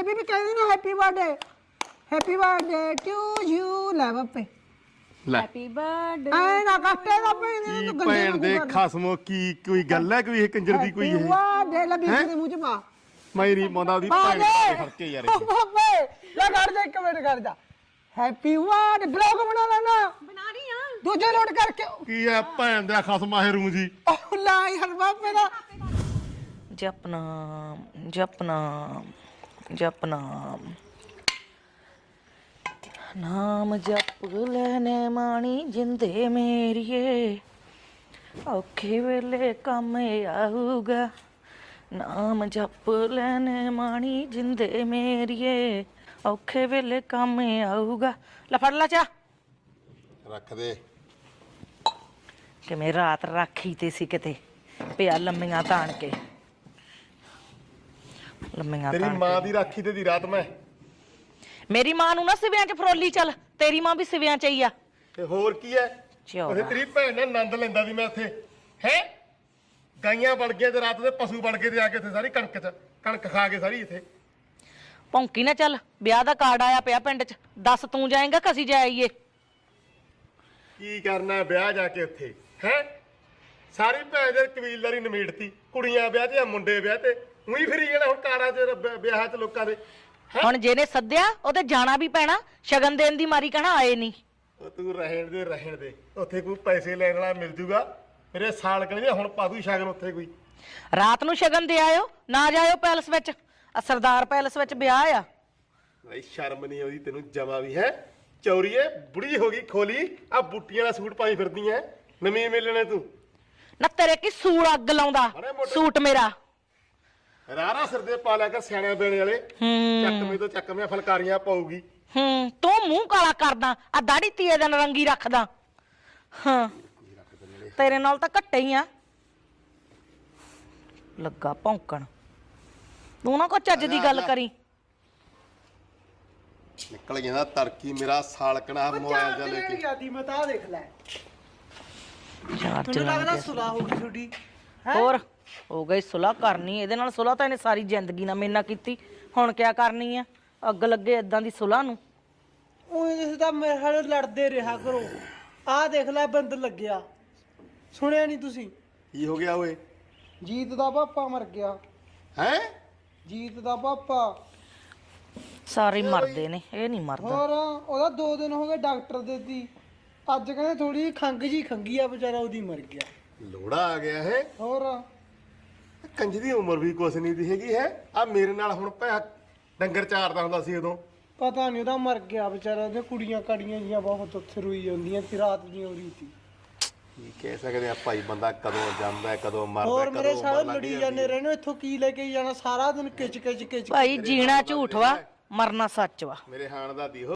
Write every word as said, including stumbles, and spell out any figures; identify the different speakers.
Speaker 1: Birthday ਬੀਬੀ ਕਹਿੰਦੀ ਨਾ happy birthday happy birthday to you ਲੈ ਬਾਪੇ
Speaker 2: ਲੈ
Speaker 3: ਹੈਪੀ ਬਰਥਡੇ
Speaker 1: ਐ ਨਾ ਕੱਟੇ ਦਾ ਭੈਣ
Speaker 2: ਕੀ ਭੈਣ ਦੇ ਖਸਮੋ ਕੀ ਕੋਈ ਗੱਲ ਹੈ ਕੋਈ ਇਹ ਕੰਜਰ ਦੀ ਕੋਈ ਇਹ
Speaker 1: ਬਰਥਡੇ ਲੈ ਬੀਬੀ ਦੇ ਮੂੰਹ ਚ ਪਾ
Speaker 2: ਮੈਂ ਨਹੀਂ ਪਾਉਂਦਾ ਉਹਦੀ ਭੈਣ ਦੇ ਫਰਕੇ ਯਾਰ ਇਹ
Speaker 1: ਬਾਪੇ ਲੈ ਕਰ ਜਾ ਇੱਕ ਮਿੰਟ ਕਰ ਜਾ ਹੈਪੀ ਬਰਥਡੇ ਬਲੌਗ ਬਣਾ ਲੈਣਾ
Speaker 3: ਬਣਾ ਰਹੀ ਆ
Speaker 1: ਦੂਜੇ ਲੋਡ ਕਰਕੇ
Speaker 2: ਕੀ ਹੈ ਭੈਣ ਦਾ ਖਸਮਾ ਹੈ ਰੂ ਜੀ
Speaker 1: ਉਹ ਲਾਈ ਹਰ ਬਾਪੇ ਦਾ
Speaker 4: ਜਪਨਾਮ ਜਪਨਾਮ ਜਪਨਾਮ ਨਾਮ ਜਪ ਲੈਨੇ ਮਾਣੀ ਜਿੰਦੇ ਮੇਰੀਏ ਔਖੇ ਵੇਲੇ ਕੰਮ ਆਊਗਾ ਨਾਮ ਜਪ ਲੈਨੇ ਮਾਣੀ ਜਿੰਦੇ ਮੇਰੀਏ ਔਖੇ ਵੇਲੇ ਕੰਮ ਆਊਗਾ ਲੈ ਫੜ ਲਾ ਚਾ
Speaker 2: ਰੱਖ ਦੇ
Speaker 4: ਕਿਵੇਂ ਰਾਤ ਰਾਖੀ ਤੇ ਸੀ ਕਿਤੇ ਪਿਆ ਲੰਮੀਆਂ ਤਾਣ ਕੇ ਲੰਮੀਆਂ
Speaker 2: ਤੇਰੀ
Speaker 4: ਤਾਣ
Speaker 2: ਮਾਂ ਦੀ ਰਾਖੀ ਤੇ ਦੀ ਰਾਤ ਮੈਂ
Speaker 4: ਮੇਰੀ ਮਾਂ ਨੂੰ ਨਾ ਸਿਵਿਆਂ 'ਚ ਫਰੋਲੀ ਚੱਲ ਤੇਰੀ ਮਾਂ ਵੀ ਸਿਵਿਆਂ 'ਚ ਹੀ ਆ
Speaker 2: ਤੇ ਹੋਰ ਕੀ ਹੈ
Speaker 4: ਚੌੜਾ।
Speaker 2: ਉਹਦੇ ਤੇਰੀ ਭੈਣ ਨੇ ਆਨੰਦ ਲੈਂਦਾ ਸੀ ਮੈਂ ਉੱਥੇ ਹੈ ਗਾਈਆਂ ਬਣ ਗਏ ਤੇ ਰਾਤ ਦੇ ਪਸ਼ੂ ਬਣ ਗਏ ਤੇ ਆ ਕੇ ਇੱਥੇ ਸਾਰੀ ਕਣਕ ਚ ਕਣਕ ਖਾ ਕੇ ਸਾਰੀ ਇੱਥੇ
Speaker 4: ਭੌਂਕੀ ਨਾ ਚੱਲ ਵਿਆਹ ਦਾ ਕਾਰਡ ਆਇਆ ਪਿਆ ਪਿੰਡ 'ਚ ਦੱਸ ਤੂੰ ਜਾਏਂਗਾ ਕਿ ਅਸੀਂ ਜਾਈਏ
Speaker 2: ਕੀ ਕਰਨਾ ਹੈ ਵਿਆਹ ਜਾ ਕੇ ਉੱਥੇ ਹੈ ਸਾਰੀ ਭੈਣ ਦੇ ਕਬੀਲਦਾਰੀ ਨਿਮੇੜਤੀ ਕੁੜੀਆਂ ਵਿਆਹ ਤੇ ਮੁੰਡੇ ਵਿਆਹ ਤੇ ਉਹੀ ਫਿਰੀ ਜਾਣਾ ਹੁਣ ਕਾਰਾਂ ਚ ਰ- ਵਿਆਹਾਂ ਚ ਲੋਕਾਂ ਦੇ
Speaker 4: ਹੁਣ ਜਿਹਨੇ ਸੱਦਿਆ ਉਹ ਤੇ ਜਾਣਾ ਵੀ ਪੈਣਾ ਸ਼ਗਨ ਦੇਣ ਦੀ ਮਾਰੀ ਕਹਿਣਾ ਆਏ ਨਹੀਂ
Speaker 2: ਉਹ ਤੂੰ ਰਹਿਣ ਦੇ ਰਹਿਣ ਦੇ ਉੱਥੇ ਕੋਈ ਪੈਸੇ ਲੈਣ ਵਾਲਾ ਮਿਲ ਜੂਗਾ ਮੇਰੇ ਸਾਲ ਕਹਿੰਦੇ ਹੁਣ ਪਾ ਦੂ ਸ਼ਗਨ ਉੱਥੇ ਕੋਈ
Speaker 4: ਰਾਤ ਨੂੰ ਸ਼ਗਨ ਦੇ ਆਇਓ ਨਾ ਜਾਇਓ ਪੈਲਸ ਵਿੱਚ ਆ ਸਰਦਾਰ ਪੈਲਸ ਵਿੱਚ ਵਿਆਹ ਆ
Speaker 2: ਬਈ ਸ਼ਰਮ ਨਹੀਂ ਆਉਂਦੀ ਤੈਨੂੰ ਜਮਾ ਵੀ ਹੈ ਚੌਰੀਏ ਬੁੜੀ ਹੋ ਗਈ ਖੋਲੀ ਆ ਬੁੱਟੀਆਂ ਦਾ ਸੂਟ ਪਾਈ ਫਿਰਦੀ ਐ ਨਵੀਂ ਮਿਲਣੇ ਤੂੰ
Speaker 4: ਨਾ ਤੇਰੇ ਕੀ ਸੂਲ ਅੱਗ ਲਾਉਂਦਾ ਸੂਟ ਮੇਰਾ
Speaker 2: ਰਾਰਾ ਸਿਰ ਦੇ ਪਾ ਲਿਆ ਕਰ ਸਿਆਣਿਆਂ ਬੇਣੇ ਵਾਲੇ
Speaker 4: ਹੂੰ
Speaker 2: ਚੱਕਵੇਂ ਤੋਂ ਚੱਕਵੇਂ ਫਲਕਾਰੀਆਂ ਪਾਉਗੀ
Speaker 4: ਹੂੰ ਤੂੰ ਮੂੰਹ ਕਾਲਾ ਕਰਦਾ ਆ ਦਾੜੀ ਤੀਏ ਦਾ ਨਰੰਗੀ ਰੱਖਦਾ ਹਾਂ ਤੇਰੇ ਨਾਲ ਤਾਂ ਘੱਟੇ ਹੀ ਆ ਲੱਗਾ ਭੌਂਕਣ ਤੂੰ ਨਾ ਕੋਈ ਚੱਜ ਦੀ ਗੱਲ ਕਰੀ
Speaker 2: ਨਿਕਲ ਜਾਂਦਾ ਤੜਕੀ ਮੇਰਾ ਸਾਲਕਣਾ ਮੋਬਾਈਲ ਜਾ ਲੈ ਕੇ
Speaker 1: ਯਾਦੀ ਮਤਾ ਦੇਖ ਲੈ
Speaker 4: ਚਾਰ
Speaker 1: ਤੁਹਾਨੂੰ ਲੱਗਦਾ
Speaker 4: ਚਲਾਉਂਦੇ
Speaker 1: ਸੁਲਾ ਹੋ ਗਈ ਤੁਹਾਡੀ
Speaker 4: ਹੋਰ ਹੋ ਗਈ ਸੁਲਾ ਕਰਨੀ ਇਹਦੇ ਨਾਲ ਸੁਲਾ ਤਾਂ ਇਹਨੇ ਸਾਰੀ ਜ਼ਿੰਦਗੀ ਨਾਲ ਮੇਰੇ ਨਾਲ ਕੀਤੀ ਹੁਣ ਕਿਆ ਕਰਨੀ ਆ ਅੱਗ ਲੱਗੇ ਇਦਾਂ ਦੀ ਸੁਲਾ ਨੂੰ
Speaker 1: ਉਹ ਜਿਸ ਦਾ ਮੇਰੇ ਨਾਲ ਲੜਦੇ ਰਿਹਾ ਕਰੋ ਆਹ ਦੇਖ ਲੈ ਬੰਦ ਲੱਗਿਆ ਸੁਣਿਆ ਨਹੀਂ ਤੁਸੀਂ
Speaker 2: ਕੀ ਹੋ ਗਿਆ ਓਏ
Speaker 1: ਜੀਤ ਦਾ ਪਾਪਾ ਮਰ ਗਿਆ
Speaker 2: ਹੈ
Speaker 1: ਜੀਤ ਦਾ ਪਾਪਾ
Speaker 4: ਸਾਰੇ ਹੀ ਮਰਦੇ ਨੇ ਇਹ ਨਹੀਂ ਮਰਦਾ
Speaker 1: ਹੋਰ ਉਹਦਾ ਦੋ ਦਿਨ ਹੋ ਗਏ ਡਾਕਟਰ ਦੇ ਦੀ ਅੱਜ ਕਹਿੰਦੇ ਥੋੜੀ ਖੰਗ ਜੀ ਖੰਗੀ ਆ ਵਿਚਾਰਾ ਉਹਦੀ ਮਰ ਗਿਆ
Speaker 2: ਲੋੜਾ ਆ ਗਿਆ ਹੈ
Speaker 1: ਹੋਰ
Speaker 2: ਕੰਜ ਦੀ ਉਮਰ ਵੀ ਕੁਛ ਨਹੀਂ ਦੀ ਹੈਗੀ ਹੈ ਆ ਮੇਰੇ ਨਾਲ ਹੁਣ ਭੈ ਡੰਗਰ ਚਾਰਦਾ ਹੁੰਦਾ ਸੀ ਉਦੋਂ
Speaker 1: ਪਤਾ ਨਹੀਂ ਉਹਦਾ ਮਰ ਗਿਆ ਵਿਚਾਰਾ ਉਹਦੇ ਕੁੜੀਆਂ ਕਾੜੀਆਂ ਜੀਆਂ ਬਹੁਤ ਉੱਥੇ ਰੋਈ ਜਾਂਦੀਆਂ ਸੀ ਰਾਤ ਦੀ ਹੋ ਰਹੀ ਸੀ
Speaker 2: ਕੀ ਕਹਿ ਸਕਦੇ ਆ ਭਾਈ ਬੰਦਾ ਕਦੋਂ ਜਾਂਦਾ ਹੈ, ਕਦੋਂ ਮਰਦਾ
Speaker 1: ਹੋਰ
Speaker 2: ਕਦੋਂ
Speaker 1: ਮੇਰੇ
Speaker 2: ਉਮਰ
Speaker 1: ਸਾਰੇ
Speaker 2: ਲੰਘ
Speaker 1: ਲੜੀ
Speaker 2: ਜਾਂਦੀ
Speaker 1: ਜਾਂਦੇ ਰਹਿਣੇ ਇੱਥੋਂ ਕੀ ਲੈ ਕੇ ਜਾਣਾ ਸਾਰਾ ਦਿਨ ਕਿਚ ਕਿਚ ਕਿਚ
Speaker 4: ਭਾਈ ਜੀਣਾ ਝੂਠ ਵਾ ਮਰਨਾ ਸੱਚ ਵਾ
Speaker 2: ਮੇਰੇ ਹਾਣ ਦਾ ਦੀ